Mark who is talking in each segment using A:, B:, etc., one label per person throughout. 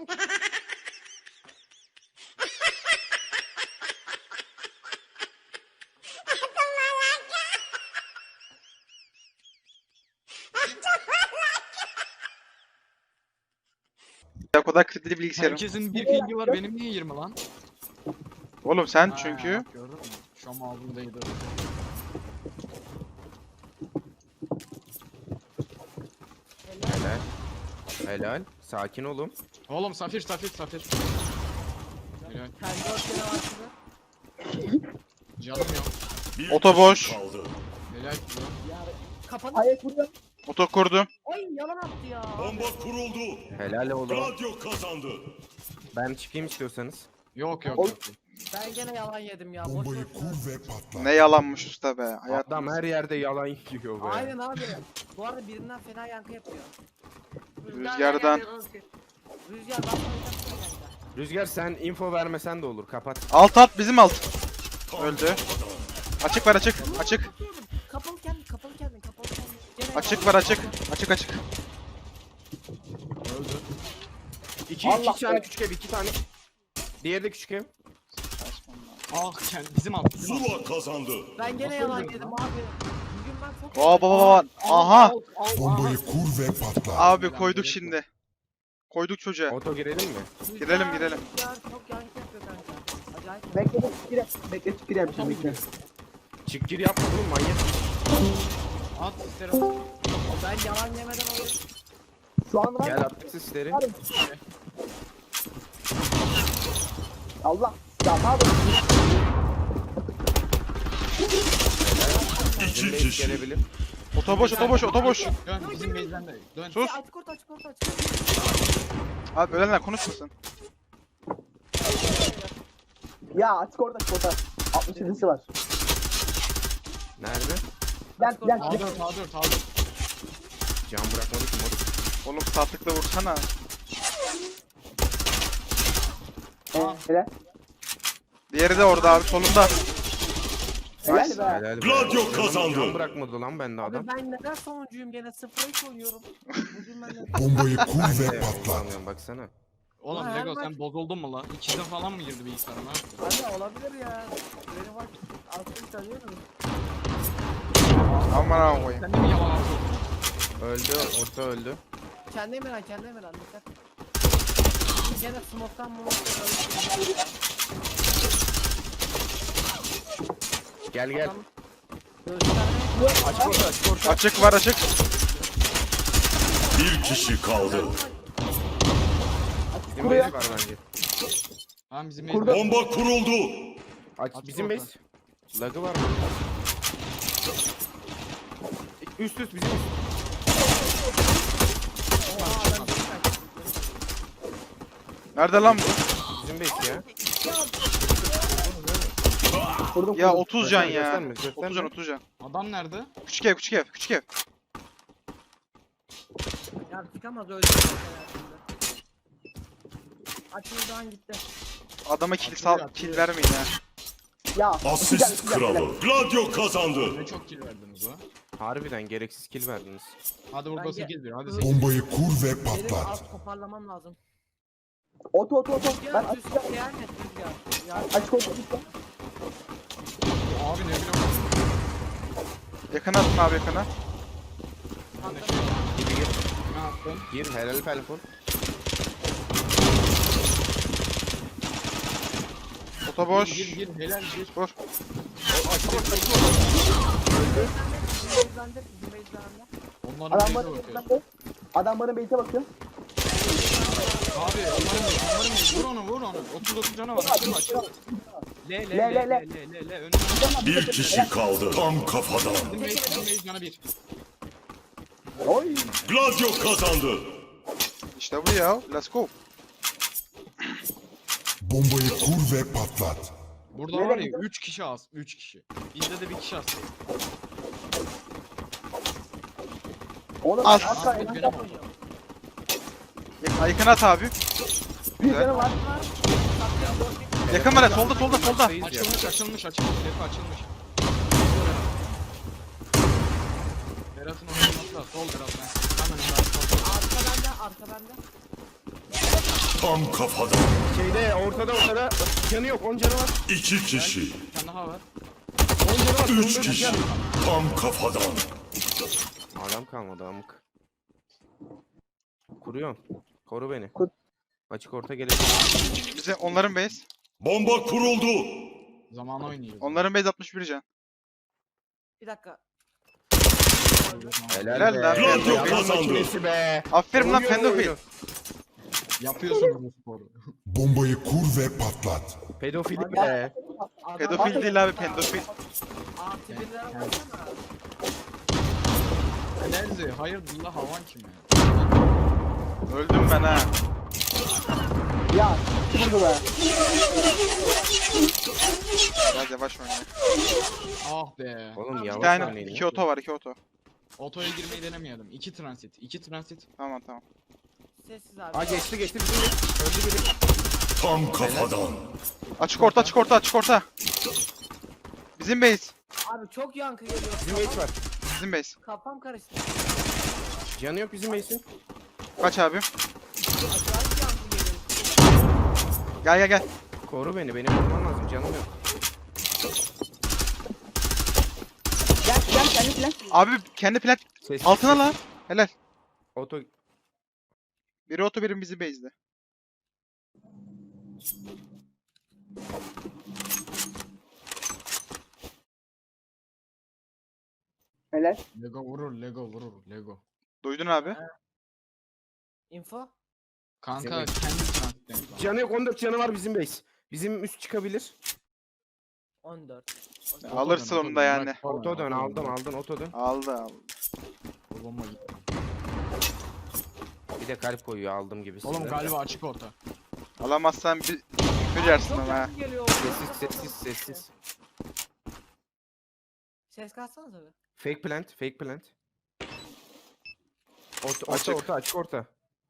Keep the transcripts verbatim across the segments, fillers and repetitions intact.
A: Ya kadar kilitli bilgisayarım.
B: Herkesin bir pingi var, benim niye yirmi lan?
A: Oğlum sen
B: Ha,
A: çünkü.
B: bak gördün mü? Şu an ağzımdaydı.
C: Helal. Helal. Sakin olun.
B: Oğlum safir safir safir. Helal.
D: Kendi ortaya başladı.
B: Canım yok.
E: Bir
A: Oto boş.
E: kişi kaldı.
B: Helal kilo.
D: Ya kafanı...
F: Ayak vuruyor.
A: Oto kurdum.
D: Ay yalan attı ya.
E: Bomba kuruldu.
C: Helal oğlum.
E: Gladio kazandı.
C: Ben çıkayım istiyorsanız.
B: Yok yok
F: Oğlum.
B: yok.
D: Ben gene yalan yedim ya. Boş
G: Bombayı
D: boş.
G: kur ve patlat.
A: Ne yalanmış usta be. Hayat.
C: Adam her yerde yalan yiyor be.
D: Aynen abi. Bu arada birinden fena yankı yapıyor.
A: Rüzgardan.
D: Rüzgar basma kanka.
C: Rüzgar sen info vermesen de olur. Kapat.
A: Alt alt bizim alt.
E: Tam
A: Öldü.
E: kafadan.
A: Açık var açık. Açık.
D: Kapalı kendin, kapalı kendin, kapalı kendin. Gene
A: Açık
D: yalan.
A: var açık. Açık açık.
B: Öldü.
C: İki,
F: Allah
C: iki tane
F: be.
C: küçük ev, iki tane. Diğeri de küçük ev.
B: Ah kendi bizim alt bizim alt.
E: Zula kazandı.
D: Ben gene
B: Nasıl
D: yalan
B: öldün
D: yedim
B: lan?
D: abi. Bugün ben çok...
A: Aa baba baba. Aha.
G: Bombayı kur ve patlat.
A: Abi koyduk şimdi. Koyduk çocuğa.
C: Oto girelim mi?
D: Rüzgar,
A: Girelim, girelim.
D: Rüzgar çok yankı yapıyor kanka. Acayip.
F: Bekle çıkire. Bekle çıkire yapacağım bekle.
C: Çık gir yapma oğlum manyak.
B: At isterim.
D: Ben yalan yemeden alıyorum.
F: Şu an var.
C: Gel attık sisleri.
F: Allah. Ya ne yapıyorsun?
E: İki
C: Bizim base
E: kişi.
C: gelebilir.
A: Oto boş oto boş oto boş.
B: Dön bizim base'den de. Dön.
A: Sus.
D: Açık orta, açık orta, açık orta.
A: Abi ölenler konuşmasın.
F: Ya açık orada açık orada. altmış yedisi var.
C: Nerede?
F: Gel gel.
B: A dört A dört A dört.
C: Can bırakmadı ki moruk.
A: Oğlum saatlikle vursana.
F: Ee, helal.
A: Diğeri de orada abi solunda.
F: Helal
A: Nice.
F: be.
C: Helal be.
E: Gladio
C: Can-
E: kazandı.
C: Can bırakmadı lan bende adam.
D: Abi ben neden sonuncuyum gene sıfıra hiç oynuyorum. Bugün ben de...
G: Bombayı kur ve
C: Evet,
G: patlat.
C: kullanıyorum, baksana.
B: Oğlum
D: Her
B: Lego
D: maç-
B: sen bozuldun mu lan? İkizin falan mı girdi bilgisayarına?
D: Abi olabilir ya. Benim bak altını tanıyorum.
A: Aman aman koyayım.
B: Sen de mi yalan atıyorsun?
C: Öldü, orta öldü.
D: Kendi emeğen, kendi emeğen dikkat. Gene smoke'tan mumoktan öldü.
C: Gel gel.
D: Adam göstermeye
C: Açık orta, açık orta.
A: Açık var açık.
E: Bir kişi kaldı.
C: Bizim
F: Kuruyor.
C: base var bence.
B: Tamam bizim
F: Kurdu.
B: base'den.
E: Bomba kuruldu.
C: Aç,
B: Açık
C: bizim
B: orta.
C: base. Lagı var mı? Üst üst bizim üst.
A: Nerede lan bu?
C: Bizim base ya.
F: Kurdum
A: Ya
F: kurdum.
A: otuz can ya.
C: Gösterme, gösterme.
A: otuz can otuz can.
B: Adam nerede?
A: Küçük ev küçük ev küçük ev.
D: Ya çıkamaz öldü. Açıldan gitti.
A: Adama kill
B: Atıyor,
A: sal
B: atıyor.
A: kill vermeyin ya.
F: Ya. iki can,
E: Asist
F: iki can, helal.
E: kralı. Gladio kazandı.
B: Ne çok kill verdiniz o.
C: Harbiden gereksiz kill verdiniz.
B: Hadi burada
D: Bence-
B: sekiz bir. Hadi sekiz.
G: Bombayı kur ve
D: Benim
G: patlat.
D: alt toparlamam lazım.
F: Oto oto oto. Ben
D: Ya
F: açık
D: Rüzgar yani Rüzgar. Ya
F: açık orta açık orta.
B: Abi ne bileyim.
A: Yakına atın abi yakına.
C: Gir gir.
B: Ne yaptın?
C: Gir helal telefon.
A: Oto boş.
B: Gir gir gir helal gir.
A: Vur.
D: Bizim base'de, bizim base'de.
B: Onların
F: Adam
B: base'e
F: bana
B: bakıyor.
F: Adam bana base'e bakıyor.
B: Abi onların base onların base. Vur onu vur onu. otuz dokuz canı var. Açılma açılma. Le le
F: Le,
B: le
F: le,
B: le le le le. Önüne.
E: Bir kişi kaldı. Tam kafadan.
B: Bizim base bizim base canı bir.
F: Oy.
E: Gladio kazandı.
A: İşte bu ya. Let's go.
G: Bombayı kur ve patlat.
B: Burada
F: Nereye
B: var ya
F: gidiyor?
B: üç kişi az. üç kişi. Bizde de bir kişi az.
F: Oğlum
A: Al.
F: az kaldı.
B: Benim oldu.
A: Yak- Yakına at abi.
F: Bir canı var.
A: Yakın var ya solda solda solda.
B: Açılmış açılmış açılmış. Defa açılmış. Berat'ın oynaması da sol Berat ben. Hemen Berat sol.
D: Arka bende, arka bende.
E: Tam kafadan.
C: Şeyde ortada ortada. Canı yok. on canı var.
E: İki kişi.
B: Bir tane daha var.
C: on canı var.
E: Üç
C: sonunda
E: kişi.
C: can.
E: Tam kafadan.
C: Adam kalmadı amık. Kuruyorum. Koru beni.
F: Kur.
C: Açık orta gelecek.
A: Bize onların base.
E: Bomba kuruldu.
B: Zaman oynuyoruz.
A: Onların base altmış bir can.
D: Bir dakika.
A: Helal lan.
E: Gladio
C: Yalan
E: kazandı.
C: makinesi be.
A: Aferin lan
C: Oynuyor mu
A: pedofil.
C: oyunu?
B: Yapıyorsunuz bu sporu.
G: Bombayı kur ve patlat.
C: Pedofilik be.
A: Pedofil değil abi pedofil.
D: Artı birlere baksana.
B: Lenzi hayırdır la havan kim ya?
A: Öldüm ben ha.
F: Ya vurdu be.
A: Biraz yavaş oyna.
B: Ah be.
C: Oğlum
A: Bir
C: yavaş
A: tane
C: oynayın.
A: iki
C: ya.
A: oto var iki oto.
B: Otoya girmeyi denemeyelim. İki transit. İki transit.
A: Tamam tamam.
D: Sessiz abi.
C: Aa geçti geçti bizim de. Öldü biri.
E: Tam kafadan.
A: Açık orta açık orta açık orta. Bizim base.
D: Abi çok yankı geliyor.
C: Bizim base var.
A: Bizim base.
D: Kafam karıştı.
C: Canı yok bizim base'in.
A: Kaç abi?
D: Acayip yankı geliyor.
A: Gel gel gel.
C: Koru beni. Beni vurman lazım. Canım yok.
F: Gel gel kendi plan.
A: Abi kendi plat
C: Ses.
A: altına lan. Helal.
C: Oto.
A: Biri oto birim bizim base'de.
F: Helal.
B: Lego vurur, Lego vurur, Lego.
A: Duydun abi.
D: Info.
B: Kanka
C: Senin-
B: kendi transitten.
C: Canı yok. on dört canı var bizim base. Bizim üst çıkabilir.
D: on dört.
A: Alırsın onu da yani.
C: Oto dön. Aldın aldın. Oto dön.
A: Aldı aldı.
B: Bu bomba gitti.
C: Bir de kalp koyuyor aldım gibi.
B: Oğlum galiba açık orta.
A: Alamazsan bir küfür yersin
D: Çok
A: ama ha.
D: yankı geliyor.
C: Sessiz sessiz sessiz.
D: Ses kalsanız abi.
C: Fake plant. Fake plant. Orta,
A: Açık.
C: orta, orta, açık orta.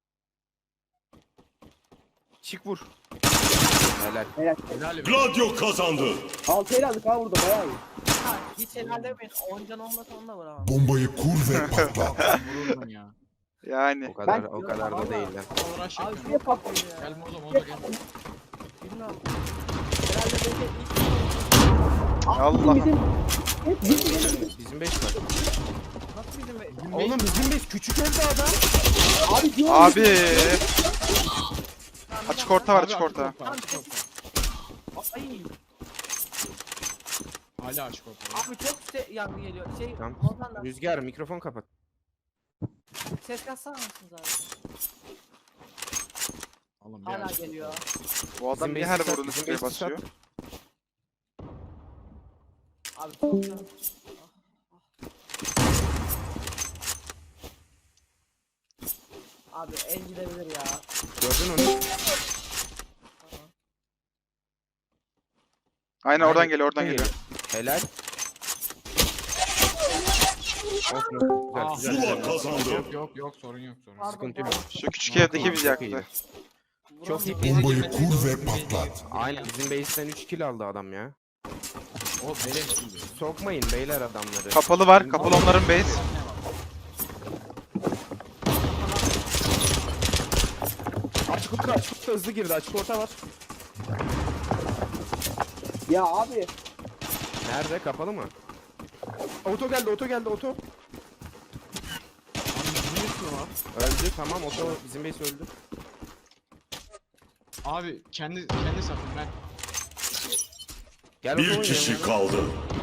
C: Çık vur. Helal.
F: Helal.
B: Helal be.
E: Gladio kazandı.
F: Altı el aldık ha vurdu bayağı iyi.
D: Ha, hiç helal demeyin. on can olmasa onu da vuramam.
G: Bombayı kur ve patlat.
B: Vururdun ya.
A: Yani.
C: O kadar
F: Ben-
C: o kadar da değil lan.
B: Uğraş
D: Abi
B: yapıyorum.
D: çok patlıyor ya.
B: Gel mozo mozo gel.
D: Bilmiyorum. Herhalde böyle ilk
A: Allah.
F: Bizim hep bizim bizim.
C: Bizim beş var.
D: nasıl bizim be-
C: Oğlum bizim beş küçük evde adam.
F: Abi diyorum.
A: Abi.
D: Tamam, bir
A: Açık
D: dakika.
A: orta var
B: Abi,
A: açık orta.
B: Açık orta.
D: Ay,
B: Hala açık orta.
D: abi çok se yankı geliyor. Şey,
C: Tamam.
D: Ozan'dan
C: Rüzgar mikrofon kapat.
D: ses katsana mısınız abi?
B: Oğlum bir
D: Hala
B: açık
D: geliyor.
A: Bu adam
C: Bizim
A: niye
C: base'i
A: her
C: sat,
A: vurduğunu
C: bizim
A: sprey
C: base'i sat.
A: basıyor?
D: Abi çok yankı. Abi el gidebilir ya.
C: Gördün onu.
A: Aynen oradan geliyor oradan
C: Aynen.
A: geliyor.
C: Helal. Olsun, olsun.
B: Ah,
C: Güzel, güzel,
E: Zula
C: güzel.
E: kazandı.
B: Yok yok yok sorun yok sorun yok.
D: Pardon,
C: Sıkıntı yok.
D: pardon.
A: Şu küçük evdeki bizi
C: Çok iyi.
A: yaktı.
C: Çok iyi.
G: Bombayı kur ve patlat.
C: Aynen bizim base'den üç kill aldı adam ya.
B: O beleş gibi.
C: Sokmayın beyler adamları.
A: Kapalı var. Kapalı onların base.
C: Açık orta açık orta hızlı girdi açık orta var.
F: Ya abi.
C: Nerede kapalı mı? Oto geldi oto geldi oto. Öldü tamam oto bizim base öldü.
B: Abi kendi kendi sapın ben.
C: Gel
E: Bir
C: oto
E: kişi
C: oynayalım.
E: kaldı.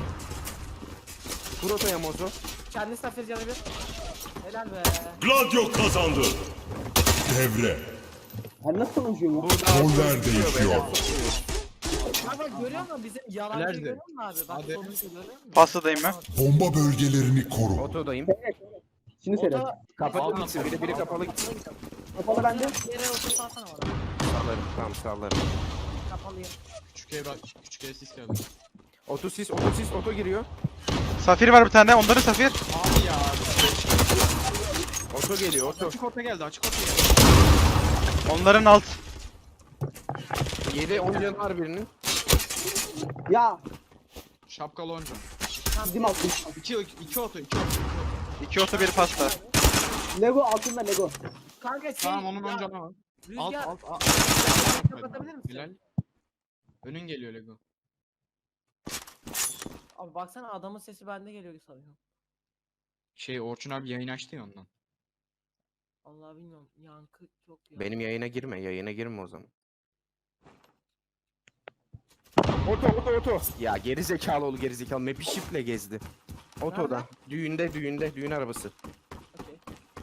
C: Vur otoya mozo.
D: Kendi safir canı bir. Helal be.
E: Gladio kazandı.
G: Devre.
F: Ben nasıl konuşuyorum ya?
C: Burada
G: Roller değişiyor.
D: Bak bak görüyor musun bizim yalancı
B: Nerede?
D: görüyor musun abi? Bak
B: Hadi.
D: sonucu görüyor musun?
A: Pasladayım ben.
G: Bomba bölgelerini koru.
C: Otodayım.
F: Şimdi söyle.
D: Oto
C: Kapalı
B: Alma,
C: gitsin biri biri kapalı gitsin.
F: Kapalı bende.
D: yere otur salsana bana.
C: Sağlarım tamam sağlarım.
D: Kapalıyım.
B: Küçük ev küçük ev sis geldi.
C: Oto sis oto sis oto giriyor.
A: Safir var bir tane. Onların safir.
B: Abi ya.
C: Oto geliyor oto.
B: Açık orta geldi açık orta geldi.
A: Onların alt.
C: yedi on canı var birinin.
F: Ya.
B: Şapkalı onca.
F: Bizim altın.
B: İki, iki oto iki oto.
A: İki oto bir pasta.
F: Lego altında Lego.
D: Kanka şey.
B: Tamam onun
D: ya,
B: onca var. Alt
D: Rüzgar.
B: alt alt.
D: Kapatabilir misin?
B: Bilal. Önün geliyor Lego.
D: Abi baksana adamın sesi bende geliyor sanıyorum.
B: Şey Orçun abi yayın açtı ya ondan.
D: Allah bilmiyorum. Yankı çok ya.
C: Benim yayına girme, yayına girme o zaman. Oto oto oto. Ya geri zekalı oğlu geri zekalı. Map'i şifle gezdi. Otoda.
D: Nerede?
C: Düğünde düğünde düğün arabası.
D: Okey.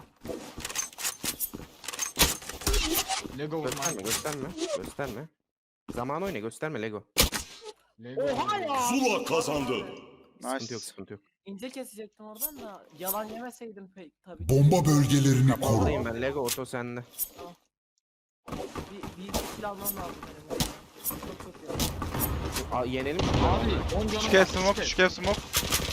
B: Lego vurma.
C: Gösterme gösterme. Gösterme. Zaman oyna gösterme Lego.
B: Lego
D: Oha
B: vurma.
D: ya!
E: Zula kazandı.
C: Sıkıntı
A: Nice.
C: yok sıkıntı yok.
D: İnce kesecektim oradan da yalan yemeseydim pek tabii.
G: Bomba bölgelerini koru.
C: Kapaldayım ben Lego oto sende.
D: Bir, bir iki kill almam lazım benim. Çok çok ya.
C: Aa, yenelim.
B: Abi on canı
A: Küçük
B: var,
A: ev smoke,
B: küçük
A: küçük ev smoke.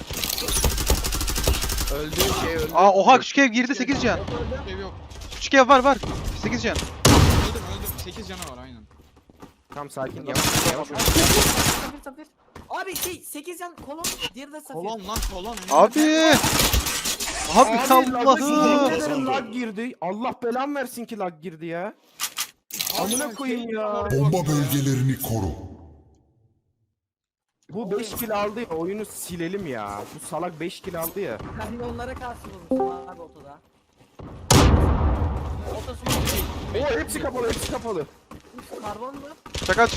C: Öldüğün şey öldü.
A: Aa oha küçük ev girdi sekiz can.
B: Küçük ev yok.
A: Küçük ev var var. sekiz can.
B: Öldüm öldüm. sekiz canı var aynen.
C: Tam sakin yavaş yavaş.
D: Safir safir. Abi şey sekiz yan kolon, diğeri de safir.
B: Kolon lan kolon. önünde.
A: Abi. Abi Allah'ım.
C: Yemin ederim lag girdi. Allah belam versin ki lag girdi ya. Amına koyayım ya.
G: Bomba bölgelerini koru.
C: Bu beş kill aldı ya oyunu silelim ya. Bu salak beş kill aldı ya.
D: Ben de onlara karşı vurmuşum abi otoda. Otosunu
C: Oo hepsi kapalı hepsi kapalı.
D: karbon mu?
A: Şaka.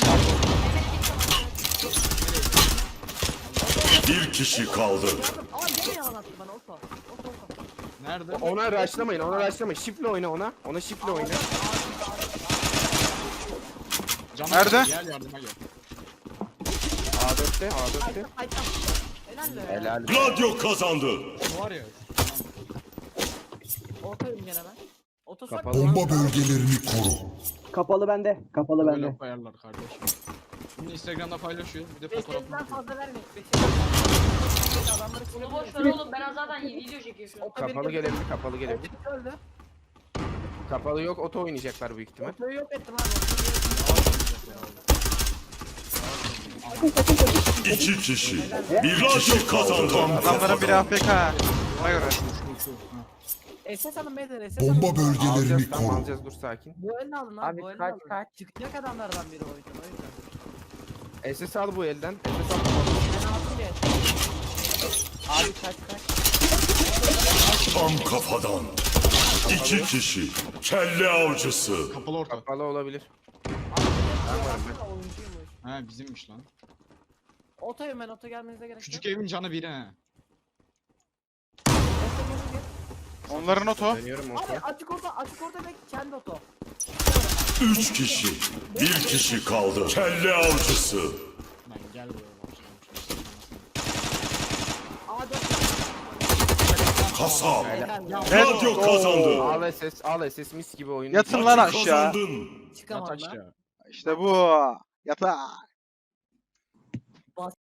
E: Bir kişi kaldı.
D: Aa gene yalan attı bana oto. Oto oto.
B: Nerede?
C: Ona rushlamayın ona rushlamayın. Shift'le oyna ona. Ona shift'le oyna.
B: Canı
A: Nerede?
B: Gel yardıma gel.
C: A dörtte A dörtte.
D: Aytan aytan. Helal be.
C: Helal.
E: Gladio kazandı.
B: Bu var ya.
D: Otoyum gene ben. Oto sak.
C: Kapalı.
G: Bomba bölgelerini koru.
F: Kapalı bende. Kapalı
B: Böyle
F: bende.
B: koyarlar kardeşim. Şimdi Instagram'da paylaşıyor. Bir de
D: Beş
B: fotoğrafını
D: elden
B: atıyor.
D: fazla vermeyin. Beş elden. Adamları
H: Bunu boş ver
D: sıkıyor.
H: oğlum ben zaten video çekiyorum.
D: Oto bir
C: Kapalı
D: girdi.
C: gelebilir kapalı gelebilir.
D: Oto öldü.
C: Kapalı yok oto oynayacaklar büyük ihtimal.
D: Otoyu yok ettim abi. Otoyu
E: İki kişi. Bir kişi kazandı. Tam
A: Adamların biri
E: kafadan.
A: A F K. Ona göre.
D: S S alın beyler S S alın.
G: Bomba bölgelerini
C: Alacağız tamam
G: koru.
C: alacağız dur sakin.
D: Bu elini alın abi.
I: Abi
D: bu elini
I: kaç,
D: alın.
I: kaç?
D: Çıkacak adamlardan biri o yüzden. O yüzden.
C: S S al bu elden. S S al.
D: Ben aldım diye.
I: Abi kaç kaç.
E: Tam kafadan. İki kişi. Kelle avcısı.
B: Kapalı orta.
C: Kapalı olabilir.
D: Aslında oyuncuymuş.
B: He bizimmiş lan.
D: Otoyum ben oto gelmenize gerek
B: Küçük
D: yok.
B: evin canı biri he.
A: Onların oto.
C: Dönüyorum oto.
D: Abi açık orta açık orta ve kendi oto.
E: Üç kişi. Bir kişi kaldı. Kelle avcısı.
B: Lan gel buraya başlamış.
D: A dört.
E: Kasap.
D: Helal.
E: Gladio kazandı.
C: Al S S al S S mis gibi oyun.
A: Yatın lan aşağı.
E: Kazandın.
D: Çıkamadım
B: Yat
D: lan.
B: aşağı.
A: İşte bu. Yata.